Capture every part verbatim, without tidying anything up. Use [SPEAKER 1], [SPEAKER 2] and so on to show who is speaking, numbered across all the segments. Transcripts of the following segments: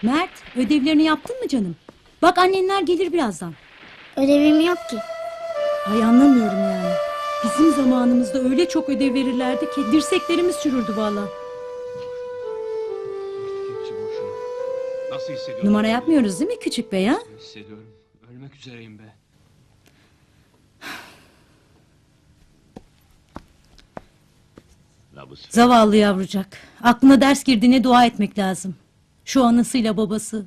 [SPEAKER 1] Mert, ödevlerini yaptın mı canım? Bak annenler gelir birazdan.
[SPEAKER 2] Ödevim yok ki.
[SPEAKER 1] Ay anlamıyorum yani. Bizim zamanımızda öyle çok ödev verirlerdi ki dirseklerimiz çürürdü valla.
[SPEAKER 3] Nasıl hissediyorsun?
[SPEAKER 1] Numara yapmıyoruz değil mi küçük bey ha?
[SPEAKER 3] Nasıl hissediyorum? Ölmek üzereyim be.
[SPEAKER 1] Zavallı yavrucak. Aklına ders girdiğine dua etmek lazım. Şu anasıyla babası.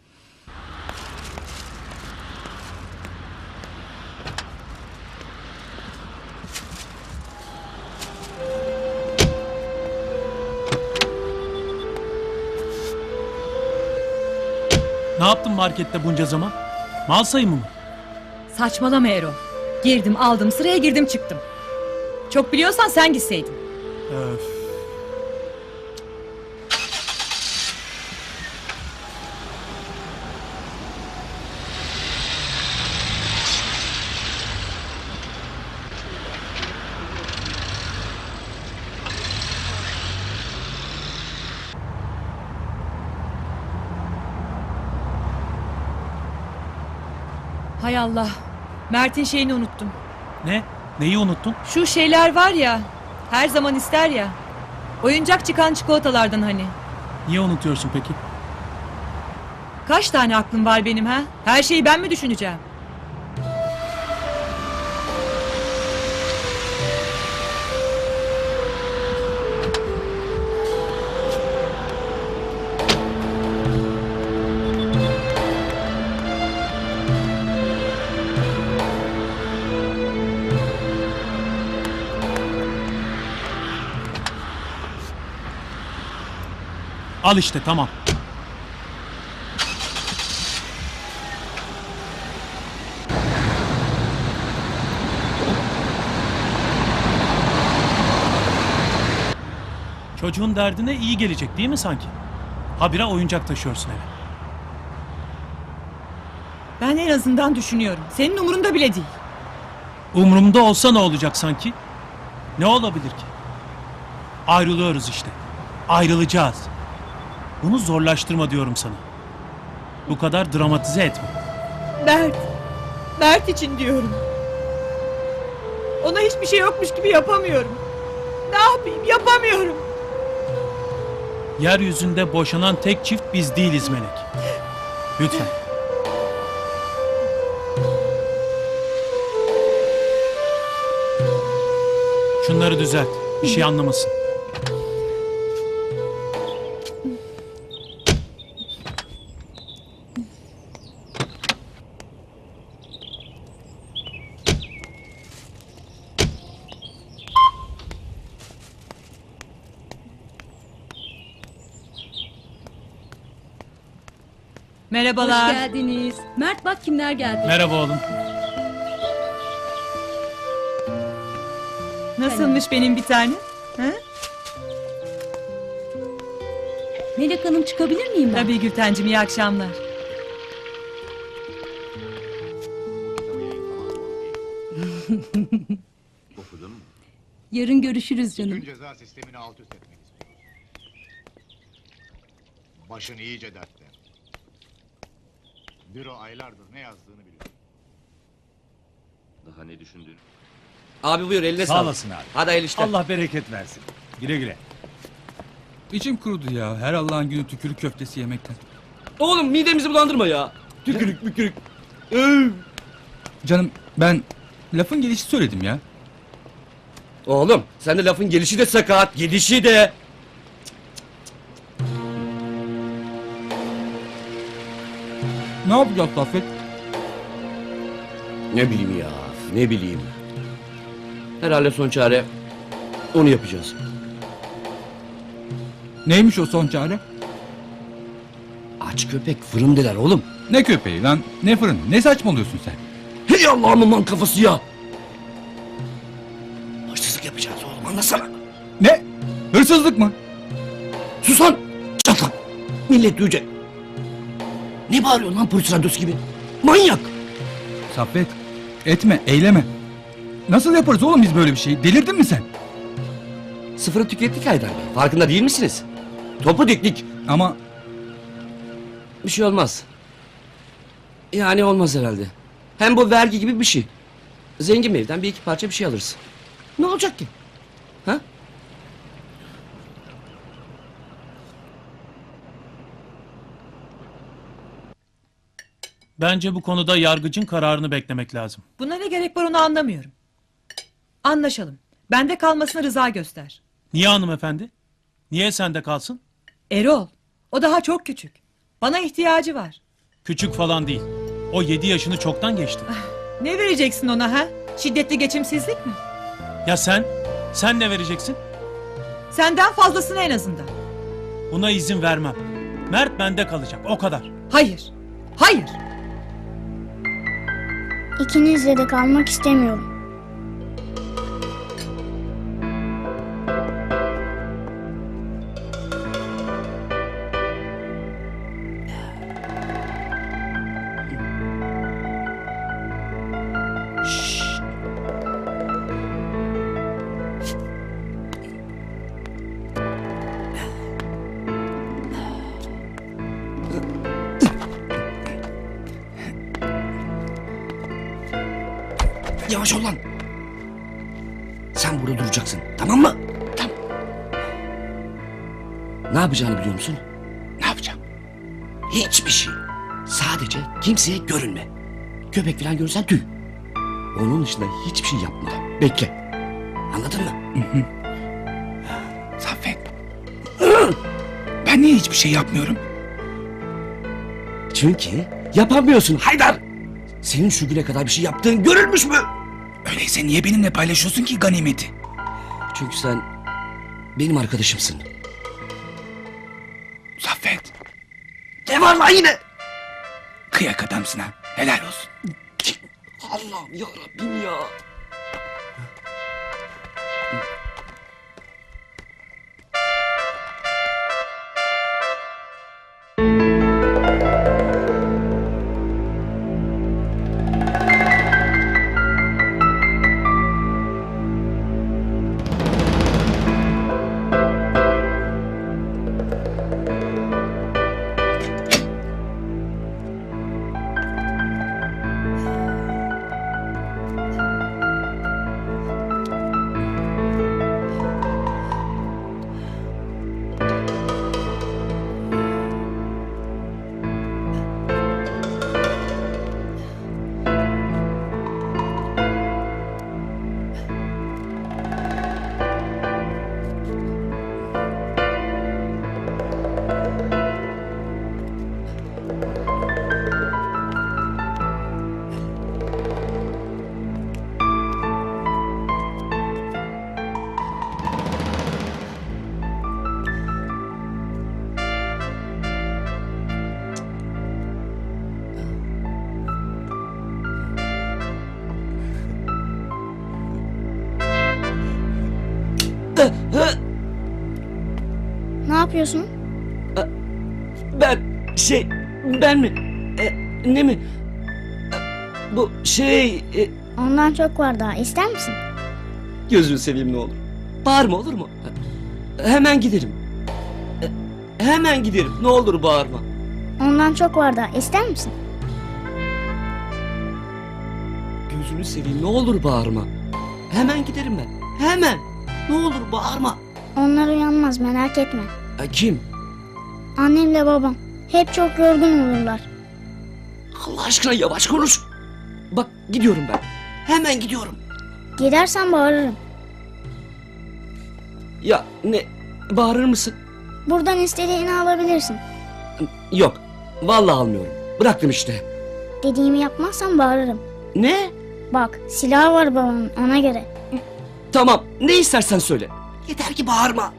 [SPEAKER 4] Ne yaptın markette bunca zaman? Mal sayımı mı?
[SPEAKER 5] Saçmalama Erol. Girdim aldım sıraya girdim çıktım. Çok biliyorsan sen gitseydin.
[SPEAKER 4] Öf.
[SPEAKER 5] Hay Allah. Mert'in şeyini unuttum.
[SPEAKER 4] Ne? Neyi unuttun?
[SPEAKER 5] Şu şeyler var ya. Her zaman ister ya. Oyuncak çıkan çikolatalardan hani.
[SPEAKER 4] Niye unutuyorsun peki?
[SPEAKER 5] Kaç tane aklım var benim ha? Her şeyi ben mi düşüneceğim?
[SPEAKER 4] Al işte tamam. Çocuğun derdine iyi gelecek değil mi sanki? Habire oyuncak taşıyorsun eve.
[SPEAKER 5] Ben en azından düşünüyorum. Senin umurunda bile değil.
[SPEAKER 4] Umrumda olsa ne olacak sanki? Ne olabilir ki? Ayrılıyoruz işte. Ayrılacağız. Bunu zorlaştırma diyorum sana. Bu kadar dramatize etme.
[SPEAKER 5] Mert. Mert için diyorum. Ona hiçbir şey yokmuş gibi yapamıyorum. Ne yapayım yapamıyorum.
[SPEAKER 4] Yeryüzünde boşanan tek çift biz değiliz Melek. Lütfen. Şunları düzelt. Bir şey anlamasın.
[SPEAKER 5] Merhabalar.
[SPEAKER 1] Hoş geldiniz. Mert bak kimler geldi.
[SPEAKER 4] Merhaba oğlum.
[SPEAKER 5] Nasılmış benim bir tane? Ha?
[SPEAKER 1] Melek Hanım çıkabilir miyim ben?
[SPEAKER 5] Tabii Gültencim iyi akşamlar.
[SPEAKER 3] Okudun mu?
[SPEAKER 1] Yarın görüşürüz canım.
[SPEAKER 6] Bütün ceza sistemini alt üst etmek istiyorum. Başın iyice dertte. Büro aylardır ne yazdığını biliyor.
[SPEAKER 3] Daha ne düşündün?
[SPEAKER 7] Abi buyur eline
[SPEAKER 8] Sağ
[SPEAKER 7] sağlık.
[SPEAKER 8] olasın abi.
[SPEAKER 7] Hadi hayırlı işler.
[SPEAKER 8] Allah bereket versin. Güle güle.
[SPEAKER 9] İçim kurudu ya. Her Allah'ın günü tükürük köftesi yemekten.
[SPEAKER 7] Oğlum midemizi bulandırma ya. Tükürük mükürük. Öv.
[SPEAKER 9] Canım ben lafın gelişi söyledim ya.
[SPEAKER 7] Oğlum sen de lafın gelişi de sakat, gidişi de.
[SPEAKER 9] Ne yapacağız Saffet?
[SPEAKER 7] Ne bileyim ya, ne bileyim. Herhalde son çare onu yapacağız.
[SPEAKER 9] Neymiş o son çare?
[SPEAKER 7] Aç köpek fırındeler oğlum.
[SPEAKER 9] Ne köpeği lan? Ne fırın? Ne saçmalıyorsun sen?
[SPEAKER 7] Hey Allah'ımın lan kafası ya. Hırsızlık yapacağız oğlum anlasana.
[SPEAKER 9] Ne? Hırsızlık mı?
[SPEAKER 7] Sus lan. Çat lan. Millet duyacak. Ne bağırıyorsun lan polis radyosu gibi? Manyak.
[SPEAKER 9] Saffet etme eyleme. Nasıl yaparız oğlum biz böyle bir şey? Delirdin mi sen?
[SPEAKER 7] Sıfırı tükettik Haydar Bey. Farkında değil misiniz? Topu diktik.
[SPEAKER 9] Ama
[SPEAKER 7] Bir şey olmaz. Yani olmaz herhalde. Hem bu vergi gibi bir şey. Zengin bir evden bir iki parça bir şey alırız. Ne olacak ki? Ha?
[SPEAKER 4] Bence bu konuda yargıcın kararını beklemek lazım.
[SPEAKER 5] Buna ne gerek var onu anlamıyorum. Anlaşalım. Bende kalmasına rıza göster.
[SPEAKER 4] Niye hanımefendi? Niye sende kalsın?
[SPEAKER 5] Erol, o daha çok küçük. Bana ihtiyacı var.
[SPEAKER 4] Küçük falan değil. O yedi yaşını çoktan geçti.
[SPEAKER 5] Ne vereceksin ona ha? Şiddetli geçimsizlik mi?
[SPEAKER 4] Ya sen? Sen ne vereceksin?
[SPEAKER 5] Senden fazlasını en azından.
[SPEAKER 4] Buna izin vermem. Mert bende kalacak, o kadar.
[SPEAKER 5] Hayır. Hayır.
[SPEAKER 2] İkinizle de kalmak istemiyorum.
[SPEAKER 7] Yavaş ol lan. Sen burada duracaksın. Tamam mı? Tamam. Ne yapacağını biliyor musun?
[SPEAKER 9] Ne yapacağım?
[SPEAKER 7] Hiçbir şey. Sadece kimseye görünme. Köpek falan görürsen tüy. Onun dışında hiçbir şey yapma. Bekle. Anladın mı?
[SPEAKER 9] Saffet. Ben niye hiçbir şey yapmıyorum?
[SPEAKER 7] Çünkü yapamıyorsun Haydar. Senin şu güne kadar bir şey yaptığın görülmüş mü?
[SPEAKER 9] Öyleyse niye benimle paylaşıyorsun ki ganimeti?
[SPEAKER 7] Çünkü sen benim arkadaşımsın.
[SPEAKER 9] Saffet.
[SPEAKER 7] Ne var lan yine?
[SPEAKER 9] Kıyak adamsın ha. Helal olsun.
[SPEAKER 7] Allah'ım ya Rabbim ya.
[SPEAKER 2] Ne yapıyorsun?
[SPEAKER 7] Ben şey ben mi? E, ne mi? E, bu şey e,
[SPEAKER 2] Ondan çok var daha. İster misin?
[SPEAKER 7] gözünü seveyim ne olur. Bağırma olur mu? Hemen giderim. E, hemen giderim. Ne olur bağırma.
[SPEAKER 2] Ondan çok var daha. İster misin?
[SPEAKER 7] Gözünü seveyim ne olur bağırma. Hemen giderim ben. Hemen. Ne olur bağırma.
[SPEAKER 2] Onlar uyanmaz merak etme.
[SPEAKER 7] E, kim?
[SPEAKER 2] Annemle babam. Hep çok yorgun olurlar.
[SPEAKER 7] Allah aşkına yavaş konuş. Bak gidiyorum ben. Hemen gidiyorum.
[SPEAKER 2] Gidersen bağırırım.
[SPEAKER 7] Ya ne? Bağırır mısın?
[SPEAKER 2] Buradan istediğini alabilirsin.
[SPEAKER 7] Yok. Vallahi almıyorum. Bıraktım işte.
[SPEAKER 2] Dediğimi yapmazsan bağırırım.
[SPEAKER 7] Ne?
[SPEAKER 2] Bak silah var babamın ona göre.
[SPEAKER 7] Tamam. Ne istersen söyle. Yeter ki bağırma.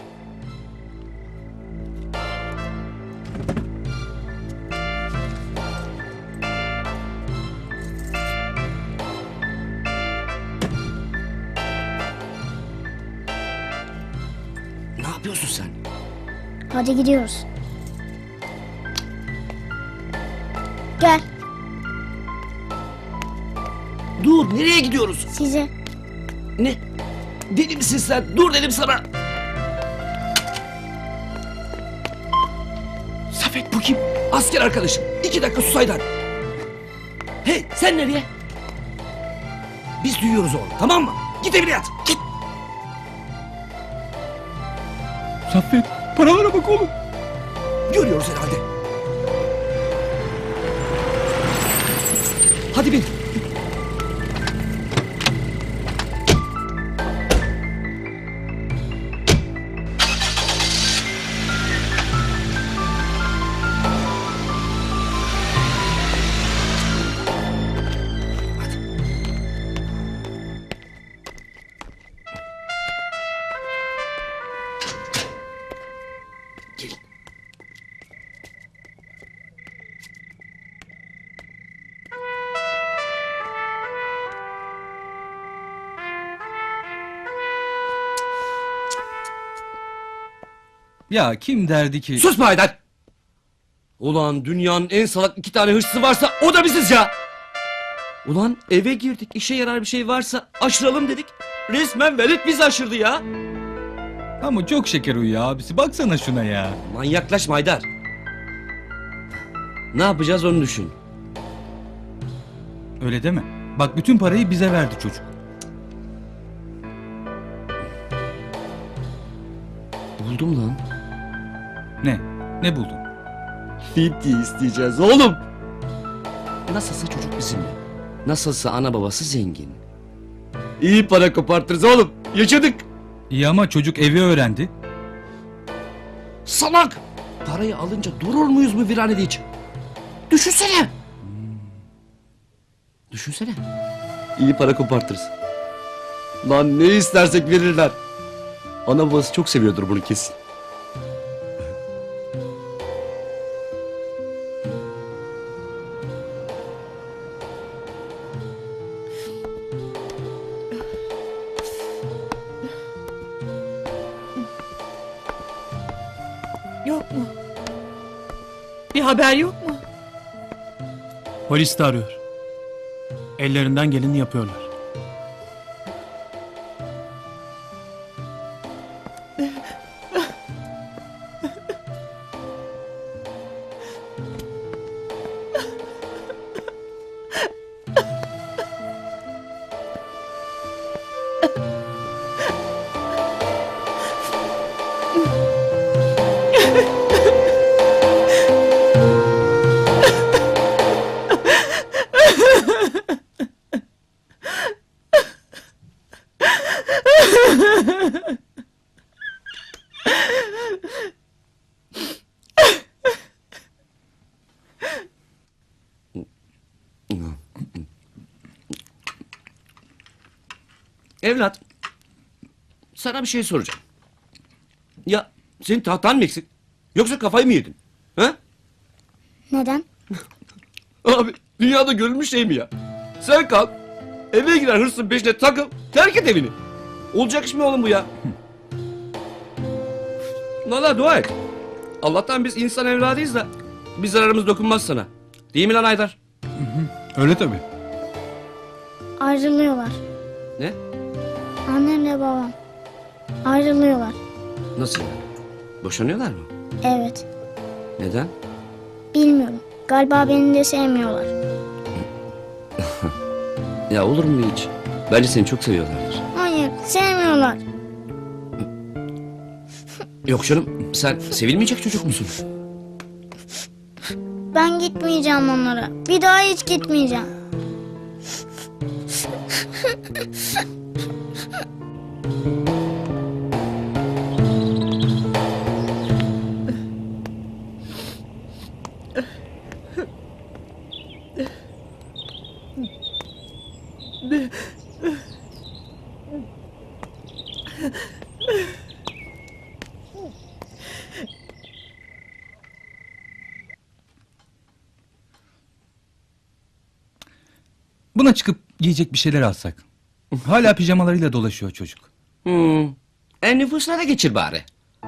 [SPEAKER 7] Ne yapıyorsun sen?
[SPEAKER 2] Hadi gidiyoruz. Gel
[SPEAKER 7] Dur, nereye gidiyoruz?
[SPEAKER 2] size.
[SPEAKER 7] Ne? Deli misin sen? Dur dedim sana.
[SPEAKER 9] Saffet.
[SPEAKER 7] Saffet bu kim? Asker arkadaşım. İki dakika sus Haydar. Hey sen nereye? Biz duyuyoruz oğlum, tamam mı? Git evine yat. Git.
[SPEAKER 9] Saffet paralara bak oğlum.
[SPEAKER 7] Görüyoruz herhalde. Hadi bin. Gelin.
[SPEAKER 9] Ya kim derdi ki...
[SPEAKER 7] Sus be Haydar! Ulan dünyanın en salak iki tane hırsızı varsa o da biziz ya! Ulan eve girdik, işe yarar bir şey varsa aşıralım dedik. Resmen velet bizi aşırdı ya!
[SPEAKER 9] Ama çok şeker uyuyor abisi. Baksana şuna ya.
[SPEAKER 7] Manyaklaşma Haydar. Ne yapacağız onu düşün.
[SPEAKER 9] Öyle deme. Bak bütün parayı bize verdi çocuk.
[SPEAKER 7] Buldum lan.
[SPEAKER 9] Ne? Ne buldun?
[SPEAKER 7] Fidye isteyeceğiz oğlum. Nasılsa çocuk bizimle. Nasılsa ana babası zengin. İyi para kopartırız oğlum. Yaşadık.
[SPEAKER 9] İyi ama çocuk evi öğrendi.
[SPEAKER 7] Salak! Parayı alınca durur muyuz bu viranede hiç? Düşünsene. Düşünsene. İyi para kopartırız. Lan ne istersek verirler. Ana babası çok seviyordur bunu kesin.
[SPEAKER 5] Yok mu? Bir haber yok mu?
[SPEAKER 4] Polis de arıyor. Ellerinden geleni yapıyorlar.
[SPEAKER 7] Evlat, sana bir şey soracağım. Ya senin tahtan mı eksik? Yoksa kafayı mı yedin? Ha?
[SPEAKER 2] Neden?
[SPEAKER 7] Abi dünyada görülmüş şey mi ya? Sen kalk, eve giren hırsızın peşine takıl, terk et evini. Olacak iş mi oğlum bu ya? Valla dua et. Allah'tan biz insan evladıyız da bir zararımız dokunmaz sana. Değil mi lan Haydar?
[SPEAKER 9] Öyle tabii.
[SPEAKER 2] Ayrılıyorlar.
[SPEAKER 7] Ne?
[SPEAKER 2] Annemle babam. Ayrılıyorlar.
[SPEAKER 7] Nasıl yani? Boşanıyorlar mı?
[SPEAKER 2] Evet.
[SPEAKER 7] Neden?
[SPEAKER 2] Bilmiyorum. Galiba beni de sevmiyorlar.
[SPEAKER 7] Ya olur mu hiç? Bence seni çok seviyorlardır.
[SPEAKER 2] Hayır, sevmiyorlar.
[SPEAKER 7] Yok canım, sen sevilmeyecek çocuk musun?
[SPEAKER 2] Ben gitmeyeceğim onlara. Bir daha hiç gitmeyeceğim.
[SPEAKER 9] Buna çıkıp giyecek bir şeyler alsak. Hala pijamalarıyla dolaşıyor çocuk.
[SPEAKER 7] Hmm. En nüfusuna da geçir bari.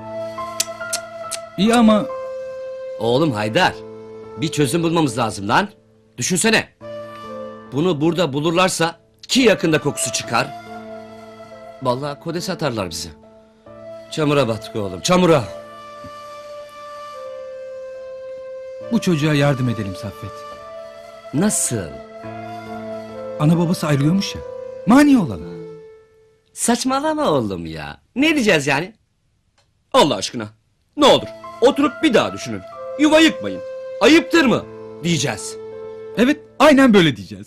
[SPEAKER 9] İyi ama
[SPEAKER 7] Oğlum Haydar, bir çözüm bulmamız lazım lan. Düşünsene. Bunu burada bulurlarsa ki yakında kokusu çıkar. Vallahi kodese atarlar bizi. Çamura battık oğlum, çamura.
[SPEAKER 9] Bu çocuğa yardım edelim Saffet.
[SPEAKER 7] Nasıl?
[SPEAKER 9] Ana babası ayrılıyormuş ya. Mani olalım.
[SPEAKER 7] Saçmalama oğlum ya. Ne diyeceğiz yani? Allah aşkına. Ne olur oturup bir daha düşünün. Yuva yıkmayın. Ayıptır mı? Diyeceğiz.
[SPEAKER 9] Evet, aynen böyle diyeceğiz.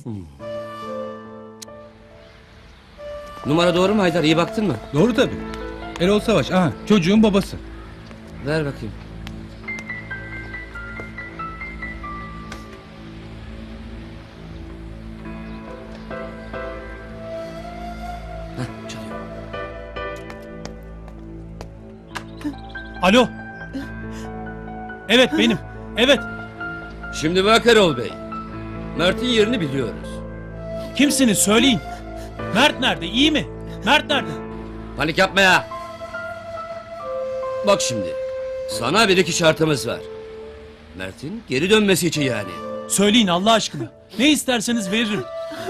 [SPEAKER 7] Numara doğru mu Haydar? İyi baktın mı?
[SPEAKER 9] Doğru tabii. Erol Savaş, aha çocuğun babası.
[SPEAKER 7] Ver bakayım. Heh, çalıyor.
[SPEAKER 4] Alo. Evet benim. Evet.
[SPEAKER 7] Şimdi bak Erol Bey. Mert'in yerini biliyoruz.
[SPEAKER 4] Kimsiniz söyleyin. Mert nerede? İyi mi? Mert nerede?
[SPEAKER 7] Panik yapma ya. Bak şimdi. Sana bir iki şartımız var. Mert'in geri dönmesi için yani.
[SPEAKER 4] Söyleyin Allah aşkına. Ne isterseniz veririm.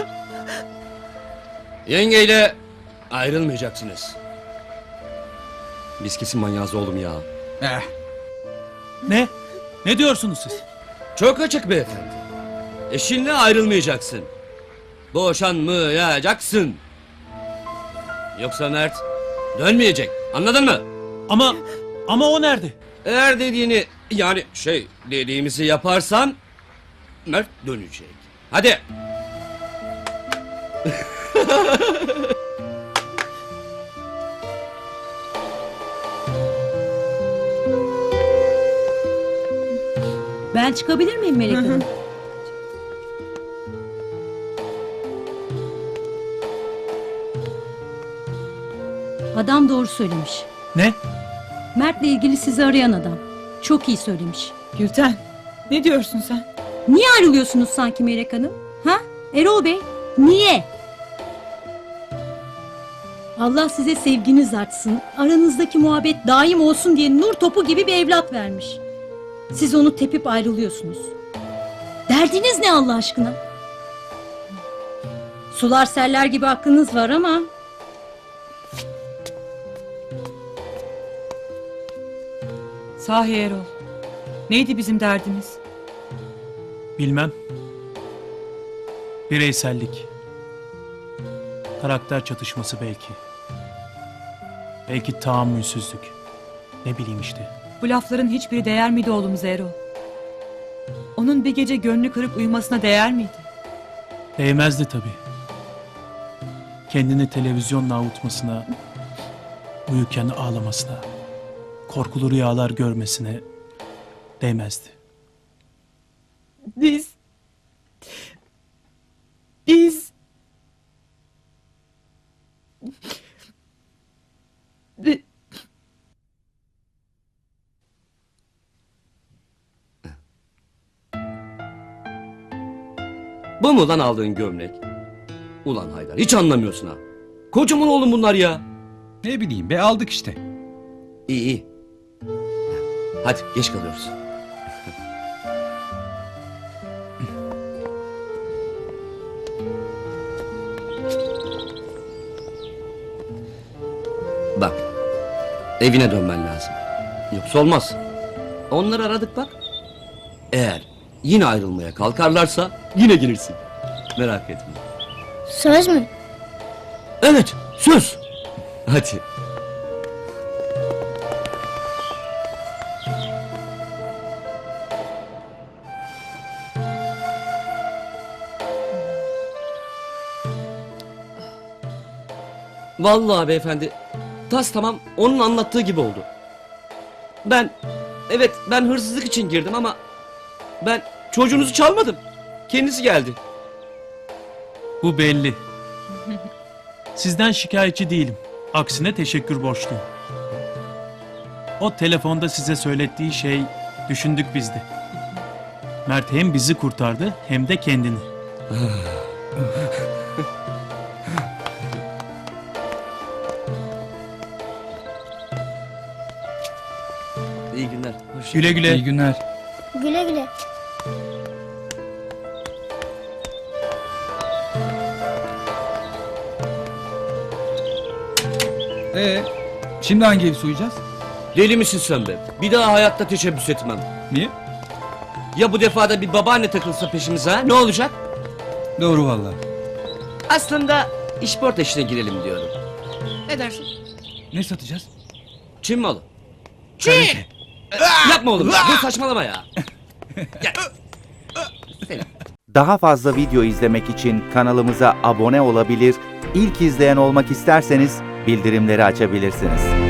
[SPEAKER 7] Yengeyle ayrılmayacaksınız. Biz kesin manyağız oğlum ya.
[SPEAKER 9] Eh,
[SPEAKER 4] Ne? Ne diyorsunuz siz?
[SPEAKER 7] Çok açık beyefendi. Eşinle ayrılmayacaksın. Boşanmayacaksın. Yoksa Mert dönmeyecek. Anladın mı?
[SPEAKER 4] Ama ama o nerede?
[SPEAKER 7] Eğer dediğini yani şey dediğimizi yaparsan Mert dönecek. Hadi.
[SPEAKER 1] Ben çıkabilir miyim Melek Hanım? Adam doğru söylemiş.
[SPEAKER 4] Ne?
[SPEAKER 1] Mert'le ilgili sizi arayan adam. Çok iyi söylemiş.
[SPEAKER 5] Gülten, ne diyorsun sen?
[SPEAKER 1] Niye ayrılıyorsunuz sanki Melek Hanım? Ha? Erol Bey, niye? Allah size sevginiz artsın, aranızdaki muhabbet daim olsun diye nur topu gibi bir evlat vermiş. Siz onu tepip ayrılıyorsunuz. Derdiniz ne Allah aşkına? Sular seller gibi aklınız var ama...
[SPEAKER 5] Sahi Erol. Neydi bizim derdimiz?
[SPEAKER 4] Bilmem. Bireysellik. Karakter çatışması belki. Belki tahammülsüzlük. Ne bileyim işte.
[SPEAKER 5] Bu lafların hiçbiri değer miydi oğlumuza Erol? Onun bir gece gönlü kırıp uyumasına değer miydi?
[SPEAKER 4] Değmezdi tabii. Kendini televizyonla avutmasına, uyurken ağlamasına, korkulu rüyalar görmesine değmezdi.
[SPEAKER 5] Biz... Biz... Bi-
[SPEAKER 7] Bu mu lan aldığın gömlek? Ulan Haydar hiç anlamıyorsun ha. Kocaman oğlum bunlar ya.
[SPEAKER 9] ne bileyim be, aldık işte.
[SPEAKER 7] İyi iyi. Hadi geç kalıyoruz. Bak. Evine dönmen lazım. Yoksa olmaz. Onları aradık bak. Eğer yine ayrılmaya kalkarlarsa yine gelirsin. Merak etme.
[SPEAKER 2] Söz mü?
[SPEAKER 7] Evet, söz. Hadi. Vallahi beyefendi, tas tamam onun anlattığı gibi oldu. Ben, evet ben hırsızlık için girdim ama ben çocuğunuzu çalmadım. Kendisi geldi.
[SPEAKER 4] Bu belli. Sizden şikayetçi değilim. Aksine teşekkür borçluyum. O telefonda size söylettiği şey düşündük biz de. Mert hem bizi kurtardı hem de kendini.
[SPEAKER 7] İyi günler. Hoş
[SPEAKER 4] Güle güle.
[SPEAKER 9] İyi günler.
[SPEAKER 2] Güle güle.
[SPEAKER 9] Ee, şimdi hangi evi soyacağız?
[SPEAKER 7] Deli misin sen be? Bir daha hayatta teşebbüs etmem.
[SPEAKER 9] Niye?
[SPEAKER 7] Ya bu defa da bir babaanne takılsa peşimize ha? Ne olacak?
[SPEAKER 9] Doğru vallahi.
[SPEAKER 7] Aslında işport işine girelim diyorum. Ne dersin?
[SPEAKER 9] Ne satacağız?
[SPEAKER 7] Çin malı. Çin! Yapma oğlum. Dur saçmalama ya. Gel. Seni.
[SPEAKER 10] Daha fazla video izlemek için kanalımıza abone olabilir, ilk izleyen olmak isterseniz bildirimleri açabilirsiniz.